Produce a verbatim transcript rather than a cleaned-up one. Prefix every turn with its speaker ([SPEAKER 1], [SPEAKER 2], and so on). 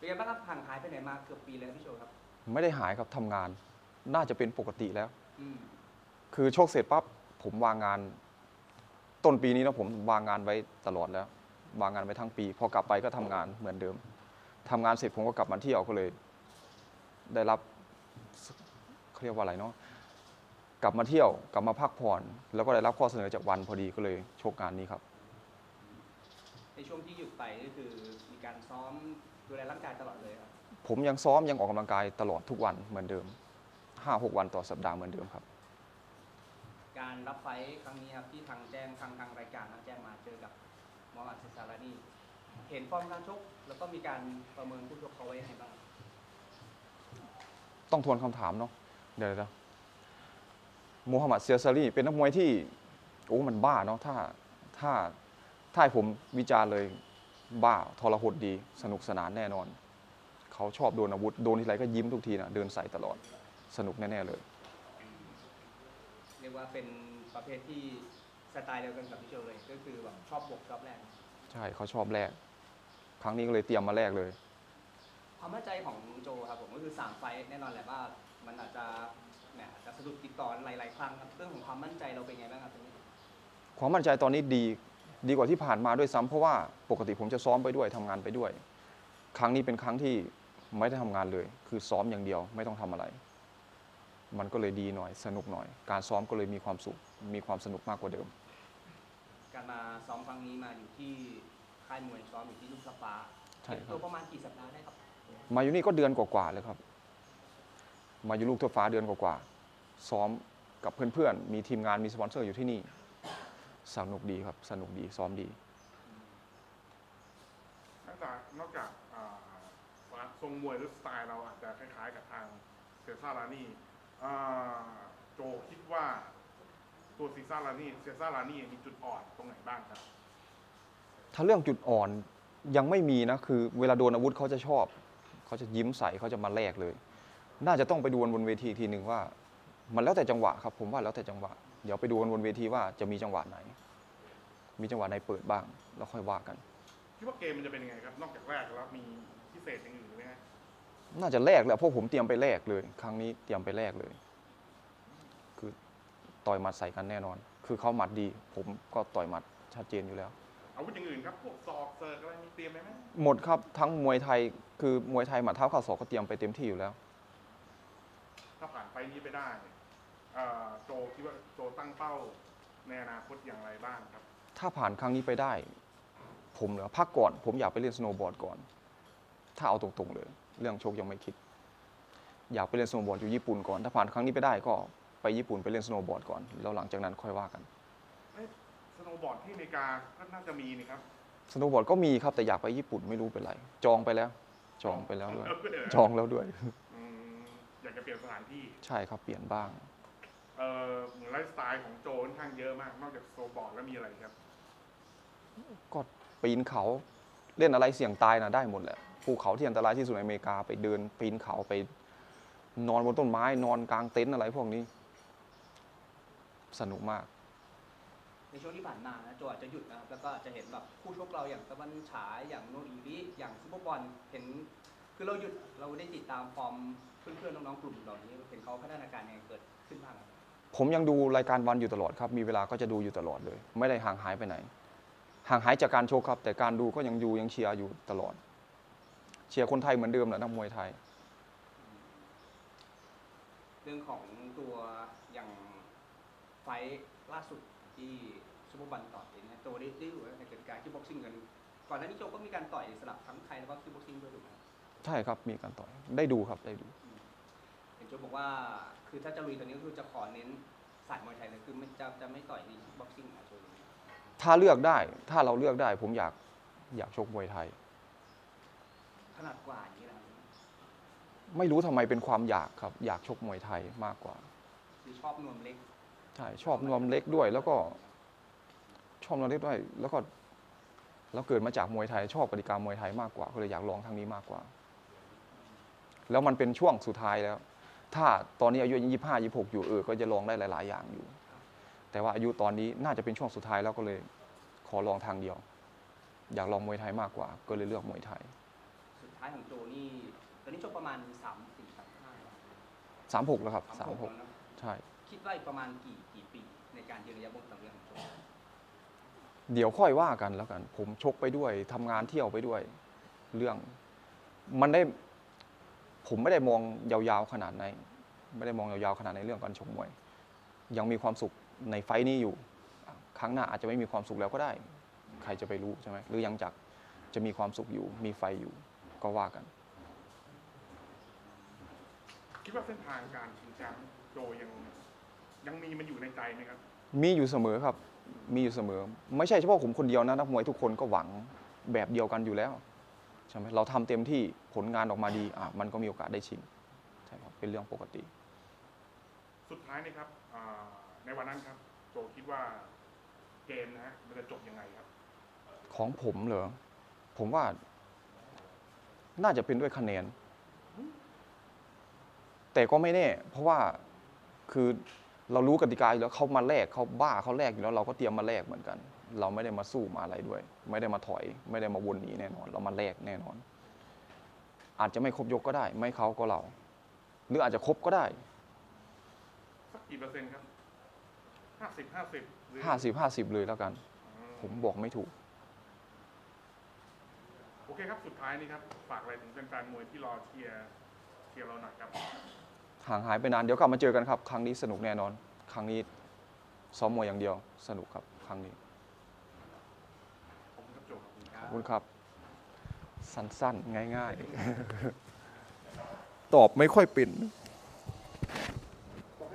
[SPEAKER 1] ไงบ้างครับห่างหายไปไหนมาเกือบปีแล้วพี่โชครับ
[SPEAKER 2] ไม่ได้หายครับทำงานน่าจะเป็นปกติแล้วคือโชคเสร็จปั๊บผมวางงานต้นปีนี้นะผมวางงานไว้ตลอดแล้ววางงานไว้ทั้งปีพอกลับไปก็ทำงานเหมือนเดิมทำงานเสร็จผมก็กลับมาเที่ยวก็เลย ได้รับเขาเรียกว่าอะไรเนาะกลับมาเที่ยวกลับมาพักผ่อนแล้วก็ได้รับข้อเสนอจากวันพอดีก็เลยโชคงานนี้ครับ
[SPEAKER 1] ในช่วงที่หยุดไปก็คือมีการซ้อมดูแลร่างกายตลอดเลยครับ
[SPEAKER 2] ผมยังซ้อมยังออกกำลังกายตลอดทุกวันเหมือนเดิม ห้าหก วันต่อสัปดาห์เหมือนเดิมครับ
[SPEAKER 1] การรับไฟครั้งนี้ครับที่ทางแจ้งทางทางรายการแจ้งมาเจอกับมอฮัมหมัดเซซารานีเห็นฟอร์มการชกแล้วก็มีการประเมินผู้ชกเขาไว้ยังไงบ้าง
[SPEAKER 2] ต้องทวนคำถามเนาะเดี๋ยวนะมูฮัมหมัดเซียซารีเป็นนักมวยที่โอ้มันบ้าเนาะถ้าถ้าถ้าให้ผมวิจารณ์เลยบ้าทรหดดีสนุกสนานแน่นอนเขาชอบโดนอาวุธโดนทีไรก็ยิ้มทุกทีนะเดินใส่ตลอดสนุกแน่ๆเลย
[SPEAKER 1] เรียกว่าเป็นประเภทที่สไตล์เดียวกันกับพี่โชเลยก็คือแบบชอบบวกชอบแรก
[SPEAKER 2] ใช่เขาชอบแรกครั้งนี้ก็เลยเตรียมมาแรกเลย
[SPEAKER 1] ความมั่นใจของโจครับผมก็คือสามไฟแน่นอนแหละว่ามันอาจจะเนี่ยอาจจะสะดุดติดต่อหลายๆครั้งครับเรื่องของความมั่นใจเราเป็นไงบ้างครับตรงนี้
[SPEAKER 2] ความมั่นใจตอนนี้ดีดีกว่าที่ผ่านมาด้วยซ้ำเพราะว่าปกติผมจะซ้อมไปด้วยทำงานไปด้วยครั้งนี้เป็นครั้งที่ไม่ได้ทำงานเลยคือซ้อมอย่างเดียวไม่ต้องทำอะไรมันก็เลยดีหน่อยสนุกหน่อยการซ้อมก็เลยมีความสุขมีความสนุกมากกว่าเดิม
[SPEAKER 1] การมาซ้อมครั้งนี้มาอยู่ที่ค่ายมวยซ้อมอยู่ที่ลูกสปา
[SPEAKER 2] ใช่ครับ
[SPEAKER 1] ตัวประมาณกี่สัปดาห์ได้ครับ
[SPEAKER 2] มาอยู่นี่ก็เดือนกว่าๆเลยครับมาอยู่ลูกทั่วฟ้าเดือนกว่าๆซ้อมกับเพื่อนๆมีทีมงานมีสปอนเซอร์อยู่ที่นี่สนุกดีครับสนุกดีซ้อมดี
[SPEAKER 3] นอกจากนอกจากทรงมวยหรือสไตล์เราอาจจะคล้ายๆกับทางเซซ่าลานี่โจคิดว่าตัวซีซ่าลานี่เซซ่าลานี่มีจุดอ่อนตรงไหนบ้างครับ
[SPEAKER 2] ถ้าเรื่องจุดอ่อนยังไม่มีนะคือเวลาโดนอาวุธเขาจะชอบเขาจะยิ้มใส่เขาจะมาแลกเลยน่าจะต้องไปดูบนเวทีทีหนึ่งว่ามันแล้วแต่จังหวะครับผมว่าแล้วแต่จังหวะเดี๋ยวไปดูบนเวทีว่าจะมีจังหวะไหนมีจังหวะไหนเปิดบ้างแล้วค่อยว่ากัน
[SPEAKER 3] คิดว่าเกมมันจะเป็นยังไงครับนอกจากแรกแล้วมีพิเศษอย่างอื่นไหมฮะ
[SPEAKER 2] น่าจะแลกแหละเพราะผมเตรียมไปแลกเลยครั้งนี้เตรียมไปแลกเลยคือต่อยหมัดใส่กันแน่นอนคือเขาหมัดดีผมก็ต่อยหมัดชัดเจนอยู่แล้ว
[SPEAKER 3] อาวุธอย่างอื่นครับพวกศอกเซิร์ฟอะไรมีเตรียมไหมไหม
[SPEAKER 2] หมดครับทั้งมวยไทยคือมวยไทยหมัดเท้าเข่าศอกก็เตรียมไปเต็มที่อยู่แล้ว
[SPEAKER 3] ถ้าผ่านไปนี้ไปได้โจคิดว่าโจตั้งเป้าในอนาคตอย่างไรบ้างครับ
[SPEAKER 2] ถ้าผ่านครั้งนี้ไปได้ผมเหรอพักก่อนผมอยากไปเล่นสโนว์บอร์ดก่อนถ้าเอาตรงๆเลยเรื่องโชคยังไม่คิดอยากไปเล่นสโนว์บอร์ดอยู่ญี่ปุ่นก่อนถ้าผ่านครั้งนี้ไปได้ก็ไปญี่ปุ่นไปเล่นสโนว์บอร์ดก่อนแล้วหลังจากนั้นค่อยว่ากัน
[SPEAKER 3] สโนว์บอร์ดที่อเมริกาก็น่าจะมีนี่ครับ
[SPEAKER 2] สโนว์บอร์ดก็มีครับแต่อยากไปญี่ปุ่นไม่รู้เป็นไรจองไปแล้วจองไปแล้วด้วยจองแล้วด้วย
[SPEAKER 3] อยากจะเปลี่ยนสถานที่
[SPEAKER 2] ใช่ครับเปลี่ยนบ้าง
[SPEAKER 3] เออเหมือนไลฟ์สไตล์ของโจค่อนข้างเยอะมากนอกจากสโนว์บอร์ดแล้วมีอะไรครับ
[SPEAKER 2] ก็ปีนเขาเล่นอะไรเสี่ยงตายนะได้หมดแหละภูเขาที่อันตรายที่สุดในอเมริกาไปเดินปีนเขาไปนอนบนต้นไม้นอนกลางเต็นท์อะไรพวกนี้สนุกมาก
[SPEAKER 1] ในช่วงที่ผ่านมานะโจอาจจะหยุดนะครับแล้วก็จะเห็นแบบคู่ชกเราอย่างตะวันฉายอย่างโนอีริอย่างซุปเปอร์บอลเห็นคือเราหยุดเราได้ติดตามฟอร์มเพื่อนๆน้องๆกลุ่มเหล่านี้เห็นเขาพัฒนาการยังไงเกิดขึ้นบ้าง
[SPEAKER 2] ผมยังดูรายการวันอยู่ตลอดครับมีเวลาก็จะดูอยู่ตลอดเลยไม่ได้ห่างหายไปไหนห่างหายจากการโชว์ครับแต่การดูก็ยังอยู่ยังเชียร์อยู่ตลอดเชียร์คนไทยเหมือนเดิมแหละนักมวยไทย
[SPEAKER 1] เรื่องของตัวอย่างไฟล่าสุดที่ซุปเปอร์บอลต่อยเนี่ยตัวได้ได้อยู่ในเกิดการที่บ็อกซิ่งกันก่อนหน้านี้โจก็มีการต่อยสลับทั้งไทยแล้วก็ที่บ็อกซิ่งด้วยถูกไหม
[SPEAKER 2] ใช่ครับมีการต่อยได้ดูครับได้ดู
[SPEAKER 1] เห็นโจบอกว่าคือถ้าจะลุยตอนนี้ก็คือจะขอเน้นสายมวยไทยเลยคือไม่จะจะไม่ต่อยในบ็อกซิ่งนะโจ
[SPEAKER 2] ถ้าเลือกได้ถ้าเราเลือกได้ผมอยากอยากชกมวยไทย
[SPEAKER 1] ขนาดกว่าอย่างนี้นะ
[SPEAKER 2] ไม่รู้ทำไมเป็นความอยากครับอยากชกมวยไทยมากกว่า
[SPEAKER 1] คือชอบนวมเล็ก
[SPEAKER 2] ใช่ชอบนวมเล็กด้วยแล้วก็ชอบนวมเล็กด้วยแล้วก็แล้วเกิดมาจากมวยไทยชอบกติกามวยไทยมากกว่าก็เลยอยากลองทางนี้มากกว่าแล้วมันเป็นช่วงสุดท้ายแล้วถ้าตอนนี้อายุยี่สิบห้ายี่สิบหกอยู่เออก็จะลองได้หลายๆอย่างอยู่แต่ว่าอายุตอนนี้น่าจะเป็นช่วงสุดท้ายแล้วก็เลยขอลองทางเดียวอยากลองมวยไทยมากกว่าก็เลยเลือกมวยไทย
[SPEAKER 1] สท้ายของโจนี่ตอนนี้ชกประมาณสามสี่สามห้า
[SPEAKER 2] สามหกแล้วครับ
[SPEAKER 1] สา
[SPEAKER 2] สาม ม
[SPEAKER 1] ห
[SPEAKER 2] ห
[SPEAKER 1] ก
[SPEAKER 2] ก
[SPEAKER 1] แล้วเนอะ
[SPEAKER 2] ใช่
[SPEAKER 1] คิดว่าอีกประมาณกี่กี่ปีในการยืนระยะบนสังเวียนของโจ
[SPEAKER 2] เดี๋ยวค่อยว่ากันแล้วกัน ผมชกไปด้วยทำงานเที่ยวไปด้วย เรื่องมันได้ ผมไม่ได้มองยาวๆขนาดไหนไม่ได้มองยาวๆขนาดในเรื่องการชกมวย ยังมีความสุขในไฟต์นี้อยู่ ครั้งหน้าอาจจะไม่มีความสุขแล้วก็ได้ ใครจะไปรู้ใช่ไหมหรือยังจักจะมีความสุขอยู่ มีไฟอยู่ก็ว่ากัน
[SPEAKER 3] คิดว่าเส้นทางการชิงแชมป์โจยังยังมีมันอยู่ในใจไหมครับ
[SPEAKER 2] มีอยู่เสมอครับ มีอยู่เสมอ ไม่ใช่เฉพาะผมคนเดียวนะนักมวยทุกคนก็หวังแบบเดียวกันอยู่แล้วใช่ไหมเราทำเต็มที่ผลงานออกมาดีอ่ะมันก็มีโอกาสได้ชิงใช่ครับเป็นเรื่องปกติ
[SPEAKER 3] สุดท้ายนี่ครับอ่าในวันนั้นครับ โจคิดว่าเกมนะฮะมันจะจบยังไงครับ
[SPEAKER 2] ของผมเหรอ ผมว่า น่าจะเป็นด้วยคะแนน แต่ก็ไม่แน่ เพราะว่าคือเรารู้กติกาอยู่แล้วเขามาแลกเขาบ้าเขาแลกอยู่แล้วเราก็เตรียมมาแลกเหมือนกัน เราไม่ได้มาสู้มาอะไรด้วย ไม่ได้มาถอย ไม่ได้มาวนหนีแน่นอน เรามาแลกแน่นอน อาจจะไม่ครบยกก็ได้ ไม่เขาก็เรา หรืออาจจะครบก็ได้
[SPEAKER 3] สักกี่เปอร์เซ็นต์ครับห้าสิบห้าสิบหรือ
[SPEAKER 2] ห้าสิบ ห้าสิบเลยแล้วกัน
[SPEAKER 3] อืม
[SPEAKER 2] ผมบอกไม่ถูก
[SPEAKER 3] โอเคครับ สุดท้ายนี่ครับ ฝากอะไรถึงแฟนๆมวยที่รอเชียร์เชียร์เราหน่อยครับ
[SPEAKER 2] ห่างหายไปนาน เดี๋ยวกลับมาเจอกันครับ ครั้งนี้สนุกแน่นอน ครั้งนี้ซ้อมมวยอย่างเดียว สนุกครับ ครั้งนี้
[SPEAKER 3] ขอบคุณครับโจขอบคุณค
[SPEAKER 1] ค
[SPEAKER 3] รั
[SPEAKER 1] รับ บ
[SPEAKER 2] ขอบคุณครับ สั้นๆ ง่ายๆ ตอบไม่ค่อยเป็น